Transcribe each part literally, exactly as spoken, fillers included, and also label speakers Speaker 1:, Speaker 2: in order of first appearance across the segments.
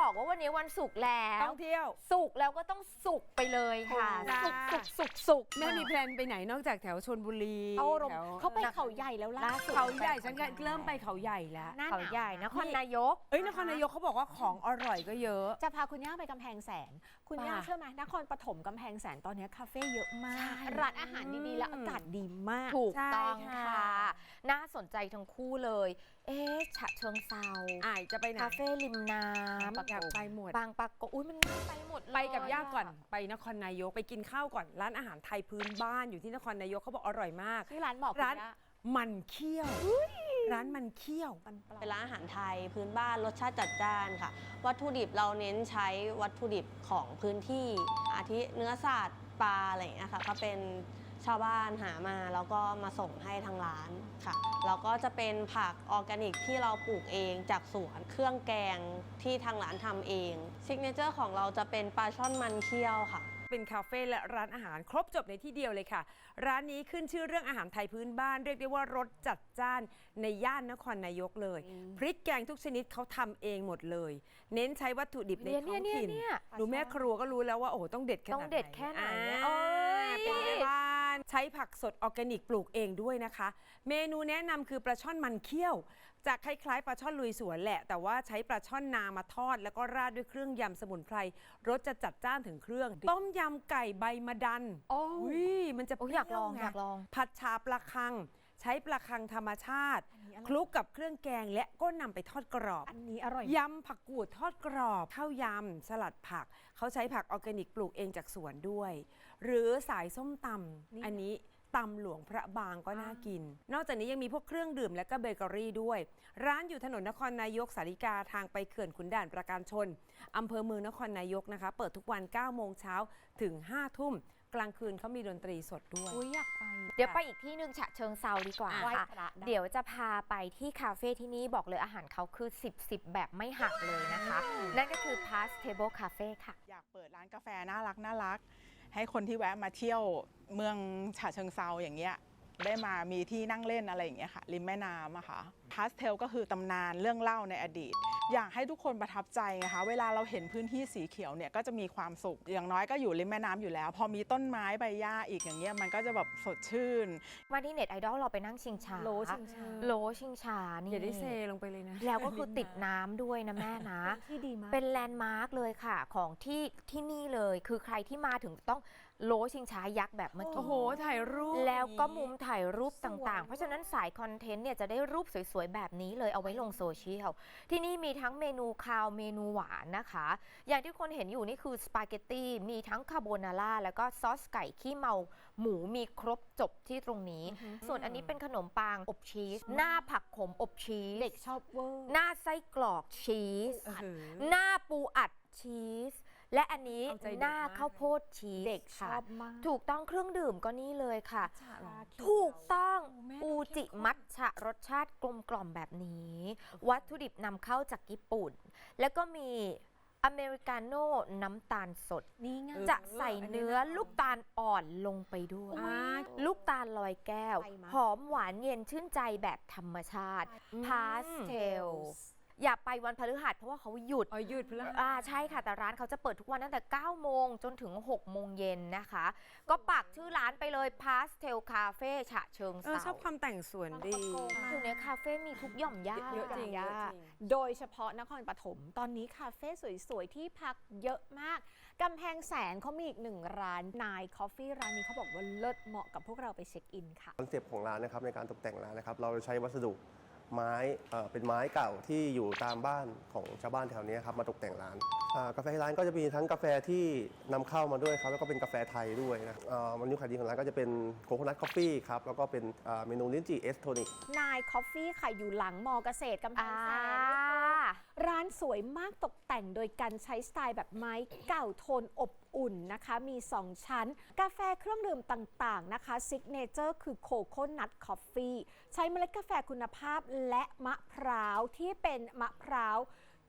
Speaker 1: บอกว่าวันนี้วันศุกร์แล้ว
Speaker 2: ต้องเที่ยว
Speaker 1: ศุกร์แล้วก็ต้องสุกไปเลยค่ะสุกสุกสุกสุก
Speaker 2: แม่มีแพลนไปไหนนอกจากแถวชลบุรี
Speaker 3: เอารมเขาไปเขาใหญ่แล้วล่ะ
Speaker 2: เขาใหญ่ฉันก็เริ่มไปเขาใหญ่แล้ว
Speaker 1: เขาใหญ่นครนายก
Speaker 2: เอ้ยนครนายกเขาบอกว่าของอร่อยก็เยอะ
Speaker 3: จะพาคุณย่าไปกำแพงแสนคุณย่าเชื่อไหมนครปฐมกำแพงแสนตอนนี้คาเฟ่เยอะมากร้านอาหารดีๆและอากาศดีมาก
Speaker 1: ถูกต้องค่ะน่าสนใจทั้งคู่เลยเอ๊ะฉะเชิงเซา
Speaker 2: อ่าจะไปไหน
Speaker 1: คาเฟ่ริมน้ำ
Speaker 2: อยากไปหมด
Speaker 1: บางปะกงอุ้ยมันน่าไปหมด
Speaker 2: ไปกับย่าก่อนไปนครนายกไปกินข้าวก่อนร้านอาหารไทยพื้นบ้านอยู่ที่นครนายกเขาบอกอร่อยมาก
Speaker 3: ที่ร้านบอก
Speaker 2: ร้านมันเคี่ยวร้านมันเคี่ยว
Speaker 4: เป็นร้านอาหารไทยพื้นบ้านรสชาติจัดจ้านค่ะวัตถุดิบเราเน้นใช้วัตถุดิบของพื้นที่อาทิเนื้อสัตว์ปลาอะไรอย่างเงี้ยค่ะก็เป็นชาวบ้านหามาแล้วก็มาส่งให้ทางร้านค่ะแล้วก็จะเป็นผักออร์แกนิกที่เราปลูกเองจากสวนเครื่องแกงที่ทางร้านทำเองซิกเนเจอร์ของเราจะเป็นปลาช่อนมันเคี่ยวค่ะ
Speaker 2: เป็นคาเฟ่และร้านอาหารครบจบในที่เดียวเลยค่ะร้านนี้ขึ้นชื่อเรื่องอาหารไทยพื้นบ้านเรียกได้ว่ารสจัดจ้านในย่านนครนายกเลยพริกแกงทุกชนิดเขาทำเองหมดเลยเน้นใช้วัตถุดิบในท้องถิ่นดูแม่ครัวก็รู้แล้วว่าโอ้ต้องเด็ดขนาดไหน
Speaker 1: ต้องเด็ดแค่ไหน
Speaker 2: เป็นแม่บ้านใช้ผักสดออร์แกนิกปลูกเองด้วยนะคะเมนูแนะนำคือปลาช่อนมันเคี่ยวจะคล้ายๆปลาช่อนลุยสวนแหละแต่ว่าใช้ปลาช่อนนามาทอดแล้วก็ราดด้วยเครื่องยำสมุนไพรรสจะจัดจ้านถึงเครื่องต้มยำไก่ใบมะดัน
Speaker 1: โอ้
Speaker 2: ยมันจะ
Speaker 1: อยากลองอยากลอง
Speaker 2: ผัดชาปลาคังใช้ปลาคังธรรมชาติคลุกกับเครื่องแกงและก็นำไปทอดกรอบ
Speaker 3: อันนี้อร่อย
Speaker 2: ยำผักกูดทอดกรอบข้าวยำสลัดผักเขาใช้ผักออร์แกนิกปลูกเองจากสวนด้วยหรือสายส้มตำอันนี้ตำหลวงพระบางก็น่ากินนอกจากนี้ยังมีพวกเครื่องดื่มและก็เบเกอรี่ด้วยร้านอยู่ถนนนครนายกสาริกาทางไปเขื่อนขุนด่านประการชนอำเภอเมืองนครนายกนะคะเปิดทุกวันเก้าโมงเช้าถึงห้าทุ่มกลางคืนเขามีดนตรีสดด้วย
Speaker 3: อุ้ยอยากไป
Speaker 1: เดี๋ยวไปอีกที่หนึ่งฉะเชิงเซาดีกว่าค่ะเดี๋ยวจะพาไปที่คาเฟ่ที่นี่บอกเลยอาหารเขาคือสิบ สิบแบบไม่หักเลยนะคะนั่นก็คือ Past Table Cafe ค่ะ
Speaker 5: อยากเปิดร้านกาแฟน่ารักน่ารักให้คนที่แวะมาเที่ยวเมืองฉะเชิงเซาอย่างเงี้ยได้มามีที่นั่งเล่นอะไรอย่างเงี้ยค่ะริมแม่น้ำอะค่ะพาสเทลก็คือตำนานเรื่องเล่าในอดีตอยากให้ทุกคนประทับใจนะคะเวลาเราเห็นพื้นที่สีเขียวเนี่ยก็จะมีความสุขอย่างน้อยก็อยู่ริมแม่น้ำอยู่แล้วพอมีต้นไม้ใบหญ้าอีกอย่างเงี้ยมันก็จะแบบสดชื่น
Speaker 1: วันที่เน็ตไอดอลเราไปนั่งชิงช้า
Speaker 3: โลชิงช้า
Speaker 1: โลชิงช้านี่
Speaker 2: อย่าได้เซลงไปเลยนะ
Speaker 1: แล้วก็คือติดน้ำด้วยนะแม่นะ
Speaker 3: ที่ดีมาก
Speaker 1: เป็นแลนด์มาร์กเลยค่ะของที่ที่นี่เลยคือใครที่มาถึงต้องโลชิงช้ายักษ์แบบเมื่อกี้
Speaker 2: โอ้โหถ่ายรูป
Speaker 1: แล้วก็มุมถ่ายรูปต่างๆเพราะฉะนั้นสายคอนเทนต์เนี่ยจะได้รูปสวยๆแบบนี้เลยเอาไว้ลงโซเชียลที่นี่มีทั้งเมนูคาวเมนูหวานนะคะอย่างที่คนเห็นอยู่นี่คือสปาเกตตี้มีทั้งคาโบนาร่าแล้วก็ซอสไก่ขี้เมาหมูมีครบจบที่ตรงนี้ส่วนอันนี้เป็นขนมปังอบชีสหน้าผักขมอบชีส
Speaker 3: เด็กชอบเวอร์
Speaker 1: หน้าไส้กรอกชีสหน้าปูอัดชีสและอันนี้หน้าข้าวโพดชีส
Speaker 3: เด็กชอบมาก
Speaker 1: ถูกต้องเครื่องดื่มก็นี่เลยค่ะถูกต้องอูจิมัทฉะรสชาติกลมกล่อมแบบนี้วัตถุดิบนำเข้าจากญี่ปุ่นแล้วก็มีอเมริกาโน่น้ำตาลสด
Speaker 3: นี่ไง
Speaker 1: จะใส่เนื้อลูกตาลอ่อนลงไปด้วยลูกตาลลอยแก้วหอมหวานเย็นชื่นใจแบบธรรมชาติพาสเทลอย่าไปวันพฤหัสเพราะว่าเขาหยุด
Speaker 2: อ๋อหยุดพฤหัส
Speaker 1: อ่าใช่ค่ะแต่ร้านเขาจะเปิดทุกวันตั้งแต่เก้าโมงจนถึงหกโมงเย็นนะคะก็ปักชื่อร้านไปเลย Pastel Cafe ฉะเชิงเทรา
Speaker 2: ชอบความแต่งสวนดี
Speaker 1: อยู่ในคาเฟ่มีทุกหย่อมย่า
Speaker 2: เยอะจริง
Speaker 3: โดยเฉพาะนครปฐมตอนนี้คาเฟ่สวยๆที่พักเยอะมากกำแพงแสนเขามีอีกหนึ่งร้านนายคอฟฟี่ร้านนี้เขาบอกว่าเลิศเหมาะกับพวกเราไปเช็คอินค่ะ
Speaker 6: คอนเซปต์ของร้านนะครับในการตกแต่งร้านนะครับเราใช้วัสดุไม้เป็นไม้เก่าที่อยู่ตามบ้านของชาวบ้านแถวนี้ครับมาตกแต่งร้านกาแฟที่ร้านก็จะมีทั้งกาแฟที่นำเข้ามาด้วยครับแล้วก็เป็นกาแฟไทยด้วยนะเมนูขายดีของร้านก็จะเป็นโคโคนัทคอฟฟี่ครับแล้วก็เป็นเมนูลิ้นจี่เอสโทนิก
Speaker 3: นายคอฟฟี่ค่ะอยู่หลังมอเกษตรกำแพงแสนร้านสวยมากตกแต่งโดยการใช้สไตล์แบบไม้เก่าโทนอบอุ่นนะคะมีสองชั้นกาแฟเครื่องดื่มต่างๆนะคะซิกเนเจอร์คือโคโคนัทคอฟฟี่ใช้เมล็ดกาแฟคุณภาพและมะพร้าวที่เป็นมะพร้าว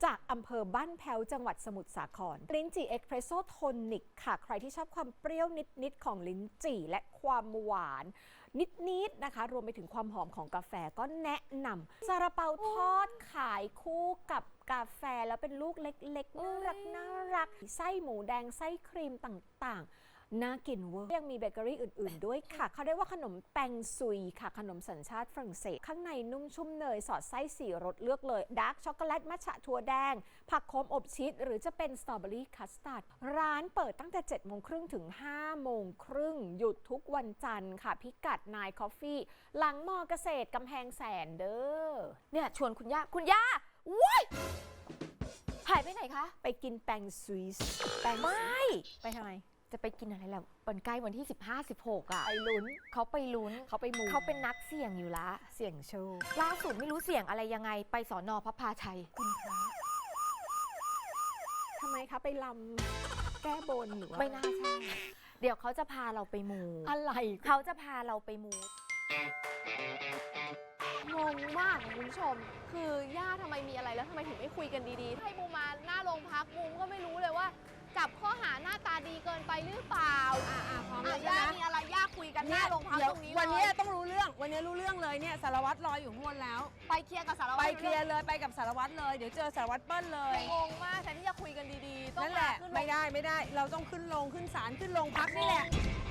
Speaker 3: จากอำเภอบ้านแพ้วจังหวัดสมุทรสาครลิ้นจี่เอ็กเพรสโซ่โทนิกค่ะใครที่ชอบความเปรี้ยวนิดๆของลิ้นจี่และความหวานนิดๆนะคะรวมไปถึงความหอมของกาแฟก็แนะนำซาลาเปาทอดขายคู่กับกาแฟแล้วเป็นลูกเล็กๆน่ารักน่ารักไส้หมูแดงไส้ครีมต่างๆน่ากินเวอร์ยังมีเบเกอรี่อื่นๆด้วยค่ะเขาเรียกว่าขนมแปงซุยค่ะขนมสัญชาติฝรั่งเศสข้างในนุ่มชุ่มเนยสอดไส้สี่รสเลือกเลยดาร์กช็อกโกแลตมัทฉะถั่วแดงผักโขมอบชีสหรือจะเป็นสตรอเบอรี่คัสตาร์ดร้านเปิดตั้งแต่เจ็ดโมงครึ่งถึงห้าโมงครึ่งหยุดทุกวันจันทร์ค่ะพิกัดนายคอฟฟี่หลังมอเกษตรกำแพงแสนเด้อ
Speaker 1: เนี่ยชวนคุณย่าคุณย่าว้ยหายไปไหนคะ
Speaker 3: ไปกินแปงซุยส์แปง
Speaker 1: ไม่
Speaker 3: ไปทำไม
Speaker 1: จะไปกินอะไรแล้ววันใกล้วันที่ สิบห้า สิบหก อ่ะ
Speaker 3: ไปลุ้น
Speaker 1: เขาไปลุ้น
Speaker 3: เขาไปมู
Speaker 1: เขาเป็นนักเสี่ยงอยู่ละ
Speaker 3: เสี่ยงโชค
Speaker 1: ล่าสุดไม่รู้เสี่ยงอะไรยังไงไปสอนอพระพาชัยคุณพระ
Speaker 3: ทำไมคะไปลำแก้บนหรือว่า
Speaker 1: ไม่น่าใช่ เดี๋ยวเขาจะพาเราไปมู
Speaker 3: อะไร
Speaker 1: เขาจะพาเราไปมู
Speaker 7: งงมากคุณผู้ชม คือย่าทำไมมีอะไรแล้วทำไมถึงไม่คุยกันดีๆ ให้บูมมาหน้าโรงพักบูมก็ไม่รู้เลยว่า จับข้อหาหน้าตาดีเกินไปหรือเปล่า
Speaker 2: อ่าอ่าพร้อม
Speaker 7: อ่ะ
Speaker 2: แล้ว
Speaker 7: ย่า
Speaker 2: ใช่ไหม
Speaker 7: มีอะไรย่าคุยกันหน้าโรงพัก
Speaker 2: เดี๋ยว
Speaker 7: ตรงนี้
Speaker 2: วัน
Speaker 7: เล
Speaker 2: นี้
Speaker 7: ย
Speaker 2: ต้องรู้เรื่อง วันนี้รู้เรื่องเลยเนี่ยสารวัตรรออยู่ข้างบนแล้ว
Speaker 7: ไปเคลียร์กับสารวัตร
Speaker 2: ไปเคลียร์เลยไปกับสารวัตรเลย เดี๋ยวเจอสารวัตรเปิ้ลเลย
Speaker 7: งงมากแทนที่จะคุยกันดีๆ ต้อง
Speaker 2: นั่นแหละ
Speaker 7: มาขึ้น
Speaker 2: ไม่ได้ไม่ได้ เราต้องขึ้นลงขึ้นศาลขึ้นโรงพักนี่แหละ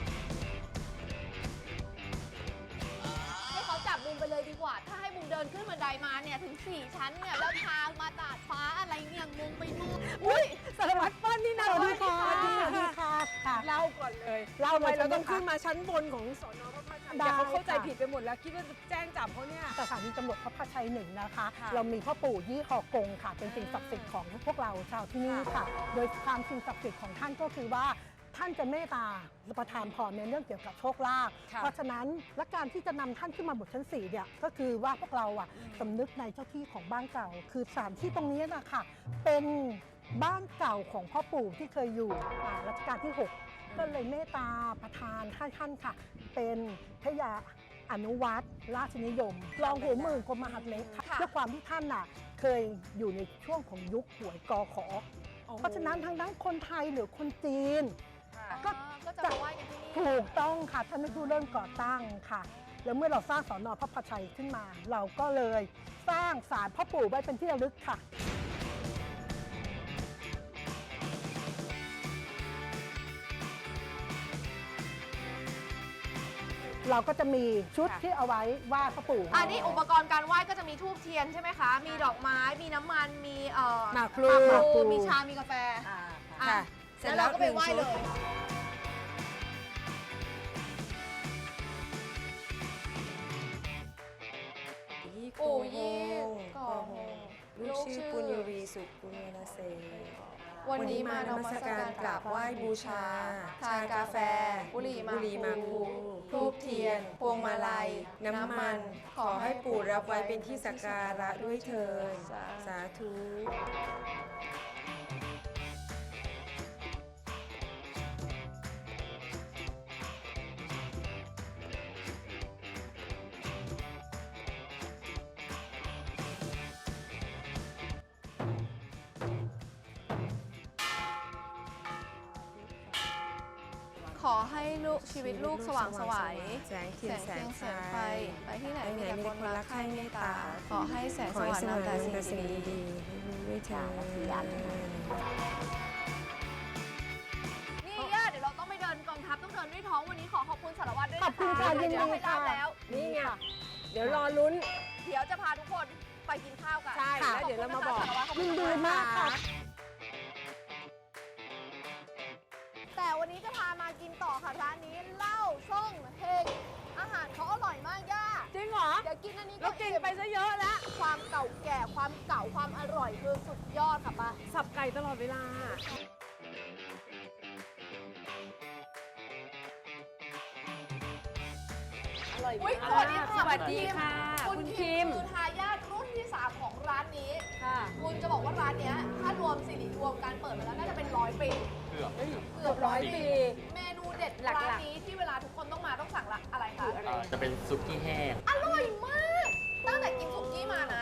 Speaker 7: ให้เขาจับบูมไปเลยดีกว่า ถ้าให้บูมเดินขึ้นบันไดมาเนี่ยถึงสี่ชั้นเนี่ยแล้วทางมาตาดฟ้าอะไรเนี่ยงงไปหมด
Speaker 2: อุ้ยสารวัตรเปิ้ลนี่นะ
Speaker 8: สวัสดีค่ะ
Speaker 2: สวัสดี
Speaker 8: สวัสดี
Speaker 2: ค่ะ
Speaker 8: ค่ะค่ะ
Speaker 2: เล่าก่อนเลย
Speaker 8: เล่า
Speaker 2: ทำไม
Speaker 8: เลย
Speaker 2: เราต้อง
Speaker 8: ใช่ไหมคะ
Speaker 2: ขึ้นมาชั้นบนของสอนอพระพาชัย
Speaker 8: ได้
Speaker 2: เดี๋ยวเขาเข้าใจ
Speaker 8: ค่ะ
Speaker 2: ผิดไปหมดแล้วคิดว่าจะแจ้งจับเขาเนี่ย
Speaker 8: สถานีตำรวจพระพาชัยหนึ่งนะคะ
Speaker 2: ค่ะ
Speaker 8: เรามีพ่อปู่ยี่หอกงค่ะ เป็นสิ่งศักดิ์สิทธิ์ของพวกเราชาวที่นี่ค่ะ โดยความสิ่งศักดิ์สิทธิ์ของท่านก็คือว่าท่านจะเมตตาประทานพรในเรื่องเกี่ยวกับโชคลาภ
Speaker 2: ค่ะ
Speaker 8: เพราะฉะนั้นและการที่จะนำท่านขึ้นมาบนชั้นสี่เนี่ยก็คือว่าพวกเราอ่ะสำนึกในเจ้าที่ของบ้านเก่า คือสถานที่ตรงนี้นะคะเป็นบ้านเก่าของพ่อปู่ที่เคยอยู่อ่ารัชกาลที่หก ก็เลยเมตตาประทานให้ท่านค่ะ เป็นพระยาอนุวัตรราชนิยม รองหัวหมื่นกรมมหาดเล็กค่ะ
Speaker 2: ค่ะ
Speaker 8: ด้วยความที่ท่านน่ะเคยอยู่ในช่วงของยุคหวยกอขอ เพราะฉะนั้นทั้งนั้นคนไทยหรือคนจีน ก็
Speaker 7: ก็จะมาไหว้กันที่นี่
Speaker 8: ถูกต้องค่ะท่านเป็นผู้เริ่มก่อตั้งค่ะ แล้วเมื่อเราสร้างสอนอพระพาชัยขึ้นมา เราก็เลยสร้างศาลพ่อปู่ไว้เป็นที่ระลึกค่ะ เราก็จะมีชุด
Speaker 2: ค่ะ
Speaker 8: ที่เอาไว้ไหว้พ่อปู่
Speaker 7: อันนี้อุปกรณ์การไหว้ก็จะมีธูปเทียนใช่ไหมคะ มีดอกไม้ มีน้ำมัน มีเอ่อ
Speaker 2: หมากพลู
Speaker 7: หมากพลูมีชา มีกาแฟ
Speaker 2: ค่ะ
Speaker 7: แล้วเราก็ไปไหว้เลย ปู่ยี่ก่อโฮ
Speaker 9: ลูกชื่อปุญญวีสุกุลนาเซ
Speaker 7: วันนี้มาน
Speaker 9: มั
Speaker 7: มั
Speaker 9: ส
Speaker 7: ส
Speaker 9: กา
Speaker 7: การ ร
Speaker 9: ก
Speaker 7: ก
Speaker 9: รา
Speaker 7: รา
Speaker 9: บบ ไห
Speaker 7: ไห
Speaker 9: ว้
Speaker 7: ว้
Speaker 9: บู
Speaker 7: บู
Speaker 9: ชา
Speaker 7: ชา
Speaker 9: ทานกาแฟ
Speaker 7: บุหรี่
Speaker 9: บุหรี่หมาก
Speaker 7: พ
Speaker 9: พ
Speaker 7: ลู
Speaker 9: ลูทูบเทียน พวงมาลัย น้ำมัน ขอให้ปู่รับไว้เป็นที่สักการะด้วยเถิดสาธุ
Speaker 7: ขอให้ลูกชีวิตลูกสว่างไสว
Speaker 9: แสงเทียนแสง
Speaker 7: แส
Speaker 9: ไฟ
Speaker 7: งไฟ ไปที่ไหน
Speaker 9: ไปไหน
Speaker 7: มีแต่
Speaker 9: มี
Speaker 7: ค
Speaker 9: แต่
Speaker 7: น
Speaker 9: คน
Speaker 7: รั
Speaker 9: รั
Speaker 7: ก
Speaker 9: ก
Speaker 7: ใคร่
Speaker 9: ใคร่
Speaker 7: เม
Speaker 9: เม
Speaker 7: ต
Speaker 9: ต
Speaker 7: ตา
Speaker 9: ตา
Speaker 7: ขอให้แสง
Speaker 9: ข
Speaker 7: ส
Speaker 9: อให้
Speaker 7: ว่าง
Speaker 9: สว่าง
Speaker 7: นำแต่
Speaker 9: นำแต่
Speaker 7: สิ่
Speaker 9: สิ่
Speaker 7: ง
Speaker 9: ง
Speaker 7: ดี
Speaker 9: ดีๆด้วยเถิด
Speaker 7: นี่ย่าเดี๋ยวเราต้องไปเดินกองทัพต้องเดินด้วยท้องวันนี้ขอขอบคุณสารวัตรด้วย
Speaker 8: ข
Speaker 7: นะ
Speaker 8: อบคุณ
Speaker 7: คะ
Speaker 8: ค่ะยิน
Speaker 7: เดี๋ยว
Speaker 8: ดี
Speaker 7: ไป
Speaker 8: ค่ะ
Speaker 7: รับแล้ว
Speaker 2: นี่ไง เดี๋ยวรอลุ้น
Speaker 7: เดี๋ยวจะพาทุกคนไปกินข้าวกัน
Speaker 2: ใช่แล้วเดี๋ยวเรามาบอก
Speaker 7: ขคุณนะคะสารวัตรขอบคุ
Speaker 8: ยิ
Speaker 7: ณ
Speaker 8: นดี
Speaker 7: นะคะ
Speaker 8: มากค่ะ
Speaker 7: แต่วันนี้จะพามากินต่อค่ะร้านนี้เหล้าช่องเฮงอาหารเขาอร่อยมากย่า
Speaker 2: จริงเหรอ
Speaker 7: เดี๋ยวกินอันนี้
Speaker 2: เรากินไปซะเยอะแล้ว
Speaker 7: ความเก่าแก่ความเก่าความอร่อยคือสุดยอดค่ะป้า
Speaker 2: สับไก่ตลอดเวลา อร่อย
Speaker 7: อุ๊ย
Speaker 2: มาก
Speaker 7: สวัสดีค่ะ
Speaker 2: สวัสดีค่ะ
Speaker 7: คุณ
Speaker 2: คุณ
Speaker 7: คิ
Speaker 2: คิ
Speaker 7: ม
Speaker 2: ม
Speaker 7: คือทายาทรุ่นที่สามของร้านนี้
Speaker 2: ค่ะ
Speaker 7: คุณจะบอกว่าร้านเนี้ยถ้ารวมสิริรวมการเปิดมาแล้วน่าจะเป็นร้อยปี
Speaker 2: เกือบ
Speaker 7: เกือบร้อยปี
Speaker 2: ปี
Speaker 7: เมนูเด็ด
Speaker 2: หลักๆ
Speaker 7: ร้านนี้ที่เวลาทุกคนต้องมาต้องสั่งละอะไรคะ
Speaker 2: คืออะไร
Speaker 10: เอ่อจะเป็นซุกี้แห้ง
Speaker 7: อร่อยมาก ตั้งแต่กินสุกี้มานะ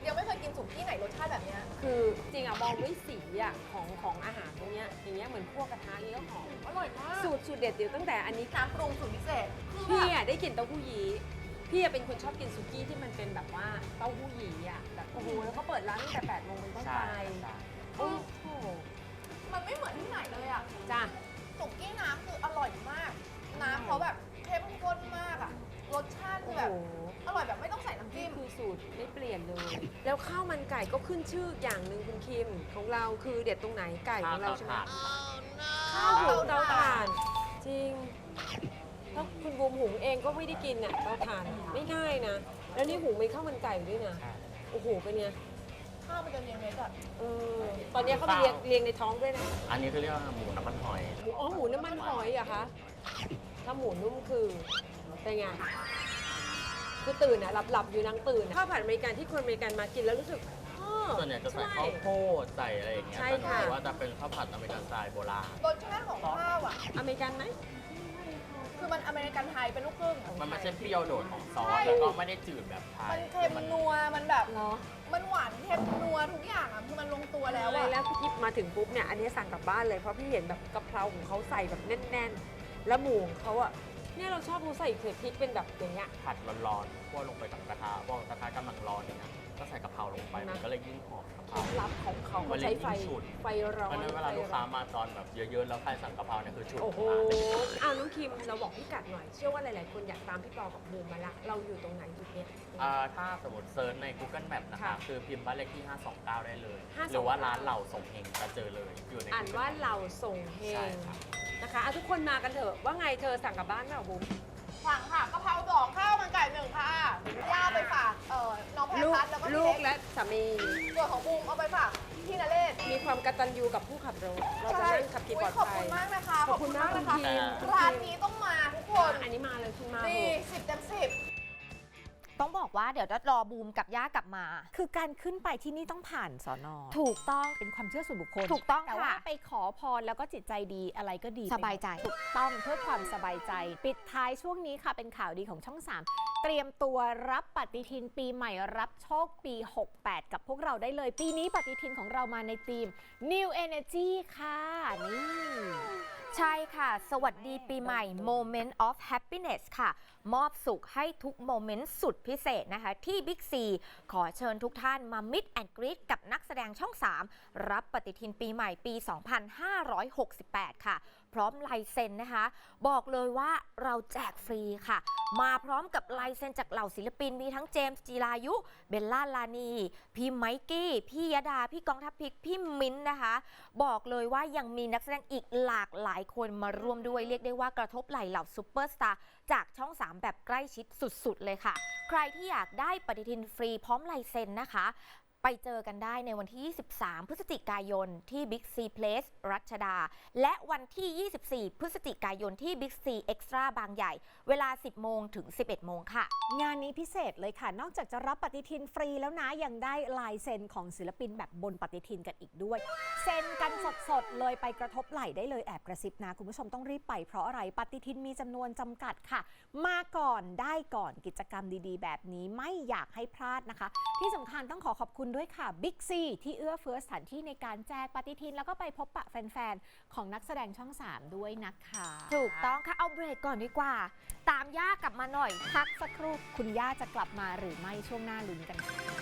Speaker 7: ยังไม่เคยกินสุกี้ไหนรสชาติแบบเนี้ย
Speaker 2: คือจริงอะมองด้วยสีอะของของอาหารตรงเนี้ยอย่างเงี้ยเหมือนพวกกระทะนี้ก็หอม
Speaker 7: อร่อยมาก
Speaker 2: สูตรสูตรเด็ดเดี๋ยวตั้งแต่อันนี้
Speaker 7: น้ำปรุงสูตรพิเศษคือ
Speaker 2: พี่
Speaker 7: แบบ
Speaker 2: อะได้กลิ่นเต้าหู้ยี้พี่อะเป็นคนชอบกินสุกี้ที่มันเป็นแบบว่าเต้าหู้ยี้อะแบบโอ้โหแล้วเขาเปิดร้านตั้งแต่แปดโมงเป็นต้นไปโอ้โห
Speaker 7: มันไม่เหมือนที่ไหนเลยอ่ะ
Speaker 2: จ้ะ
Speaker 7: สุกี้น้ำคืออร่อยมาก น้ำเขาแบบเข้มข้นมากอ่ะ รสชาติคือแบบ
Speaker 2: โอ้โห
Speaker 7: อร่อยแบบไม่ต้องใส่น้ำ
Speaker 2: นี่
Speaker 7: จิ้ม
Speaker 2: คือสูตรไม่เปลี่ยนเลย แล้วข้าวมันไก่ก็ขึ้นชื่ออย่างหนึ่งคุณคิมของเราคือเด็ดตรงไหนไก่ของเราใช่ไหมข้าวหุงเตาถ่านจริงถ้าคุณบูมหุงเองก็ไม่ได้กินเนี่ยเตาถ่านไม่ง่ายนะ แล้วนี่หุงเป็นข้าวมันไก่ด้วยนะโอ้โหเป็นไง
Speaker 7: ข้าวมันจะเรียงเม็ดอ่ะ
Speaker 2: เออตอนนี้เขาไปเรียงเรียงในท้องด้วยนะ
Speaker 10: อันนี้คือเรียกว่าหมูน้ำมันหอย
Speaker 2: หมูอ๋อหมูน้ำมันหอยเหรอะคะถ้าหมูนุ่มคือเป็นไงคือตื่นอะหลับหลับๆอยู่นางตื่นอะข้าวผัดอเมริกันที่คนอเมริกันมากินแล้วรู้สึกอ้อ
Speaker 10: ส่วนใหญ่จะใส่ข้าวโพดใส่อะไรอย่างเงี้ย
Speaker 2: ใช่
Speaker 10: แต่
Speaker 2: ค่ะ
Speaker 10: ถือว่าจะเป็นข้าวผัดอเมริกันสไตล์โบราณ
Speaker 7: รสชาติของข้าวอ่ะ
Speaker 2: อเมริกันไหม
Speaker 7: คือมันอเมริกันไทยเป็นลูกครึ่ง
Speaker 10: มันไม่ใช่เปรี้ยวโดดของซอ
Speaker 7: ใช่
Speaker 10: ส แล้วก็ไม่ได้จืดแบบไท
Speaker 7: มั
Speaker 10: ย
Speaker 7: นเค็มนัว มันแบบ
Speaker 2: เหรอ
Speaker 7: มันหวานเค็มนัวทุกอย่างอ่ะ คือมันลงตัวแล้ว
Speaker 2: อะไร
Speaker 7: อ่ะ
Speaker 2: แล้วพี่กิ๊บมาถึงปุ๊บเนี่ยอันนี้สั่งกลับบ้านเลยเพราะพี่เห็นแบบกะเพราของเขาใส่แบบแน่นๆ แล้วหมูของเขาอะเนี่ยเราชอบเขาใส่เผ็ดพริกเป็นแบบอย่างเงี้ย
Speaker 10: ผัดร้อนๆคั่วลงไปกับกระทะพอกระทะกำลังร้อนเนี่ยนะก็ใส่กะเพราลงไป
Speaker 2: นะ
Speaker 10: มันก็เลยยิ่งหอมกะเพ
Speaker 2: เค
Speaker 10: รา
Speaker 2: ล็ดลับของเขา
Speaker 10: มันเลย
Speaker 2: ใช้ไฟ
Speaker 10: ยิ่งฉุน
Speaker 2: ไฟร้อ
Speaker 10: เพ
Speaker 2: น
Speaker 10: ราะฉะนั้นเวลาลูกค้ามาตอนแบบเยอะๆ แล้วใครสั่งกะเพราเนี่ยคือฉุน
Speaker 2: โอ้โห
Speaker 10: มากเลย
Speaker 2: อ้าวน้องคิมเราบอกพี่กัดหน่อย เชื่อว่าหลายๆ คนอยากตามพี่ปอกับบูมมาละ เราอยู่ตรงไหนจุดเนี้ย
Speaker 10: อ่าถ้าสมมติเซิร์ชใน Google Map นะ
Speaker 2: ค่ะ
Speaker 10: คะคือพิมพ์บ้านเลขที่ ห้าสองเก้า ได้เลย
Speaker 2: ห้าสองเก้า
Speaker 10: หรือว่าร้านเหล่าส่งเฮงจะเจอเลยอยู่ใน
Speaker 2: อ่าน
Speaker 10: Google
Speaker 2: ว่า
Speaker 10: Map
Speaker 2: เราส่งเฮ
Speaker 10: ใช่
Speaker 2: ง
Speaker 10: ครับ
Speaker 2: นะคะอ่ะทุกคนมากันเถอะว่าไงเธอสั่งกลับบ้านเปล่าบูม
Speaker 7: สั่งค่ะกะเพราสองข้าวมันไก่หนึ่งค่ะ ย่าไปฝาก เอ่อ น้องแพร
Speaker 2: ลูก
Speaker 7: พัดแล้วก็พี่
Speaker 2: ลูก
Speaker 7: เล็
Speaker 2: และสามี
Speaker 7: ส่วนของบูมเอาไปฝากพี่นเรศ
Speaker 2: มีความกตัญญูกับผู้ขับรถ เราจะนั่งขับขี่ปลอด
Speaker 7: ขอบ
Speaker 2: ภั
Speaker 7: คุ
Speaker 2: ย
Speaker 7: ณมากนะคะ
Speaker 2: ขอบคุณมาก
Speaker 7: นะคะ
Speaker 2: คุณคิม
Speaker 7: ร้านนี้ต้องมาทุกคน
Speaker 2: อันนี้มาเลยคุณมา
Speaker 7: ดี
Speaker 2: เถอะ
Speaker 7: สิบเต็มสิบ
Speaker 1: ต้องบอกว่าเดี๋ยวจะรอบูมกับย่ากลับมา
Speaker 3: คือการขึ้นไปที่นี่ต้องผ่านสอนอ
Speaker 1: ถูกต้อง
Speaker 3: เป็นความเชื่อส่วนบุคคล
Speaker 1: ถูกต้อง
Speaker 3: แต่ว่า
Speaker 1: ค่ะ
Speaker 3: ไปขอพรแล้วก็จิตใจดีอะไรก็ดี
Speaker 1: สบายใจ
Speaker 3: ถูกต้องเพื่อความสบายใจ ปิดท้ายช่วงนี้ค่ะเป็นข่าวดีของช่อง สาม เตรียมตัวรับปฏิทินปีใหม่รับโชคปี หกแปด กับพวกเราได้เลย ปีนี้ปฏิทินของเรามาในธีม New Energy ค่ะนี่
Speaker 1: ใช่ค่ะ สวัสดีปีใหม่ Moment of Happiness ค่ะ มอบสุขให้ทุกโมเมนต์สุดพิเศษนะคะ ที่ Big C ขอเชิญทุกท่านมา Meet and Greet กับนักแสดงช่อง สาม รับปฏิทินปีใหม่ปี สองพันห้าร้อยหกสิบแปด ค่ะ พร้อมลายเซ็นนะคะ บอกเลยว่าเราแจกฟรีค่ะ มาพร้อมกับลายเซ็นจากเหล่าศิลปินมีทั้งเจมส์จีรายุ เบลล่าลานี พี่ไมกี้ พี่ยดา พี่กองทัพพริก พี่มิ้นท์นะคะ บอกเลยว่ายังมีนักแสดงอีกหลากหลายคนมาร่วมด้วย เรียกได้ว่ากระทบไหล่เหล่าซูเปอร์สตาร์จากช่อง สาม แบบใกล้ชิดสุดๆเลยค่ะ ใครที่อยากได้ปฏิทินฟรีพร้อมลายเซ็นนะคะ ไปเจอกันได้ในวันที่ ยี่สิบสาม พฤศจิกายนที่ Big C Place รัชดา และวันที่ ยี่สิบสี่ พฤศจิกายนที่ Big C Extra บางใหญ่ เวลา สิบโมงถึง สิบเอ็ดโมงค่ะ
Speaker 3: งานนี้พิเศษเลยค่ะ นอกจากจะรับปฏิทินฟรีแล้วนะยังได้ลายเซ็นของศิลปินแบบบนปฏิทินกันอีกด้วย เซ็นกันสดๆเลยไปกระทบไหล่ได้เลยแอบกระซิบนะ คุณผู้ชมต้องรีบไปเพราะอะไรปฏิทินมีจำนวนจำกัดค่ะ มาก่อนได้ก่อนกิจกรรมดีๆ แบบนี้ไม่อยากให้พลาดนะคะ ที่สำคัญต้องขอขอบคุณด้วยค่ะ Big C ที่เอื้อเฟื้อสถานที่ในการแจกปฏิทินแล้วก็ไปพบปะแฟนๆของนักแสดงช่อง สาม ด้วยนะคะ
Speaker 1: ถูกต้องค่ะ เอาเบรกก่อนดีกว่า ตามย่ากลับมาหน่อย
Speaker 3: พักสักครู่คุณย่าจะกลับมาหรือไม่ช่วงหน้าลุ้นกันค่ะ